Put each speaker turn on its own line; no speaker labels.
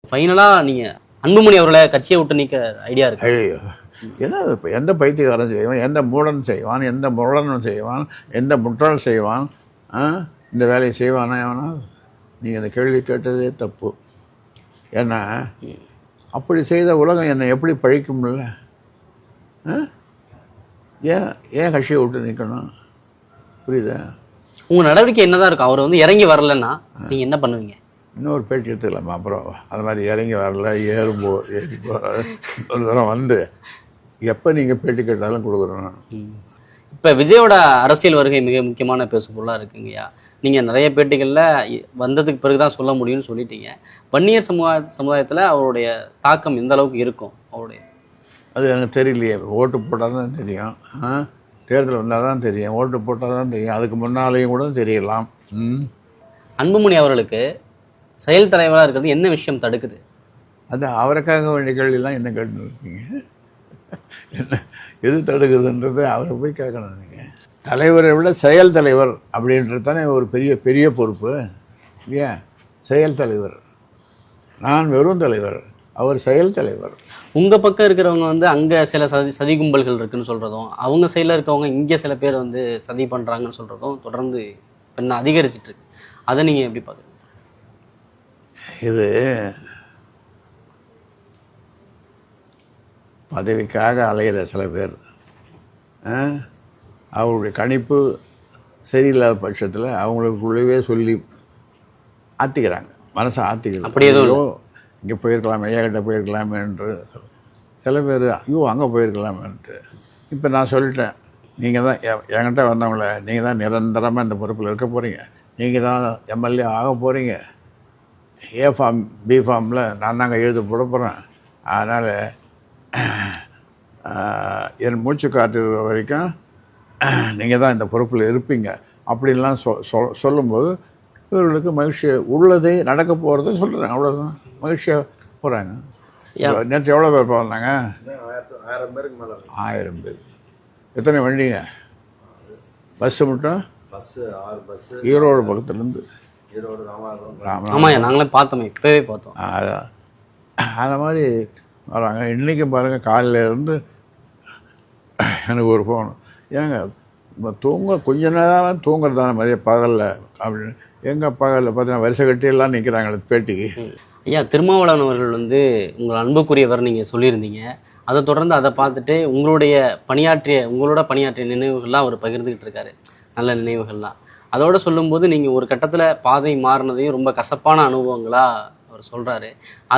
ஃபைனலாக நீங்கள் அன்புமணி அவர்களை கட்சியை விட்டு நீக்க ஐடியா இருக்கு?
ஐயோ, ஏன்னா இப்போ எந்த பைத்தியக்காரன் செய்வான், எந்த மூடன் செய்வான், எந்த முரடனும் செய்வான், எந்த முட்டாள் செய்வான், இந்த வேலையை செய்வானா எவனா? நீங்கள் அந்த கேள்வி கேட்டதே தப்பு. ஏன்னா அப்படி செய்த உலகம் என்னை எப்படி பழிக்கும்ல? ஏன் ஏன் கட்சியை விட்டு நிற்கணும்? புரியுதா?
உங்கள் நடவடிக்கை என்னதான் இருக்கும்? அவர் வந்து இறங்கி வரலன்னா நீங்கள் என்ன பண்ணுவீங்க?
இன்னொரு பேட்டி எடுத்துக்கலாமா? அப்புறம் அது மாதிரி இறங்கி வரல, ஏறி போகிற ஒரு தரம் வந்து எப்போ நீங்கள் பேட்டி கேட்டாலும் கொடுக்குறோம்.
இப்போ விஜயோட அரசியல் வருகை மிக முக்கியமான பேசுபொருளாக இருக்குங்கய்யா. நீங்கள் நிறைய பேட்டிகளில் வந்ததுக்கு பிறகு தான் சொல்ல முடியும்னு சொல்லிட்டீங்க. வன்னியர் சமுதாயத்தில் அவருடைய தாக்கம் எந்த அளவுக்கு இருக்கும்? அவருடைய
அது எனக்கு தெரியலையே. ஓட்டு போட்டால் தான் தெரியும். தேர்தல் வந்தால் தான் தெரியும். ஓட்டு போட்டால் தான் தெரியும். அதுக்கு முன்னாலேயும் கூட தெரியலாம்.
அன்புமணி அவர்களுக்கு செயல் தலைவராக இருக்கிறது என்ன விஷயம் தடுக்குது?
அது அவருக்காக வேண்டிய கேள்வியெல்லாம் என்ன கேட்டுருக்கீங்க? என்ன எது தடுக்குதுன்றது அவரை போய் கேட்கணும். நீங்கள் தலைவரை விட செயல் தலைவர் அப்படின்றது தானே ஒரு பெரிய பெரிய பொறுப்பு இல்லையா? செயல் தலைவர். நான் வெறும் தலைவர், அவர் செயல் தலைவர். உங்கள்
பக்கம் இருக்கிறவங்க வந்து அங்கே சில சதி கும்பல்கள் இருக்குன்னு சொல்கிறதும், அவங்க சைடில் இருக்கவங்க இங்கே சில பேர் வந்து சதி பண்ணுறாங்கன்னு சொல்கிறதும் தொடர்ந்து இன்னும் அதிகரிச்சிட்டு இருக்கு. அதை நீங்கள் எப்படி பார்க்குறீங்க?
இது பதவிக்காக அலையிற சில பேர் அவருடைய கணிப்பு சரியில்லாத பட்சத்தில் அவங்களுக்குள்ளவே சொல்லி ஆற்றிக்கிறாங்க, மனசை ஆற்றிக்கிறாங்க.
அப்படி எதுவும்
இங்கே போயிருக்கலாமே, ஏகிட்ட போயிருக்கலாமே என்று சில பேர் ஐயோ அங்கே போயிருக்கலாமேன்ட்டு. இப்போ நான் சொல்லிட்டேன், நீங்கள் தான் என்கிட்ட வந்தவங்கள நீங்கள் தான் நிரந்தரமாக இந்த பொறுப்பில் இருக்க போகிறீங்க, நீங்கள் தான் எம்எல்ஏ ஆக போகிறீங்க, ஏ ஃபார்ம் பி ஃபார்மில் நான் தாங்க எழுத போட போகிறேன், அதனால் என் மூச்சு காட்டுற வரைக்கும் நீங்கள் தான் இந்த பொறுப்பில் இருப்பீங்க அப்படின்லாம் சொல்லும்போது இவர்களுக்கு மகிழ்ச்சி உள்ளதே நடக்க போகிறத சொல்கிறேன். அவ்வளோதான், மகிழ்ச்சியாக போகிறாங்க. நேற்று எவ்வளோ பேர் போகிறாங்க? 1000 பேருக்கு மேலே. 1000 பேர். எத்தனை வண்டிங்க? பஸ்ஸு மட்டும்? Bus 6 bus. ஈரோடு பக்கத்துலேருந்து ஈரோடு
ஆமாம், நாங்களே பார்த்தோமே, இப்போவே பார்த்தோம்.
அதான் அந்த மாதிரி வராங்க. இன்றைக்கும் பாருங்கள், காலையிலேருந்து எனக்கு ஒரு ஃபோன், ஏங்க கொஞ்ச நேரம் தூங்குறது தானே மதியம் பகலில் அப்படின்னு. எங்கள் பகலில் பார்த்தீங்கன்னா வரிசை கட்டியெல்லாம் நிற்கிறாங்க பேட்டிக்கு.
ஐயா, திருமாவளவன் அவர்கள் வந்து உங்கள் அன்புக்குரியவர் நீங்கள் சொல்லியிருந்தீங்க. அதை தொடர்ந்து அதை பார்த்துட்டு உங்களோட பணியாற்றிய நினைவுகள்லாம் அவர் பகிர்ந்துக்கிட்டு இருக்காரு, நல்ல நினைவுகள்லாம். அதோடு சொல்லும்போது நீங்கள் ஒரு கட்டத்தில் பாதை மாறினதையும் ரொம்ப கசப்பான அனுபவங்களாக அவர் சொல்கிறாரு.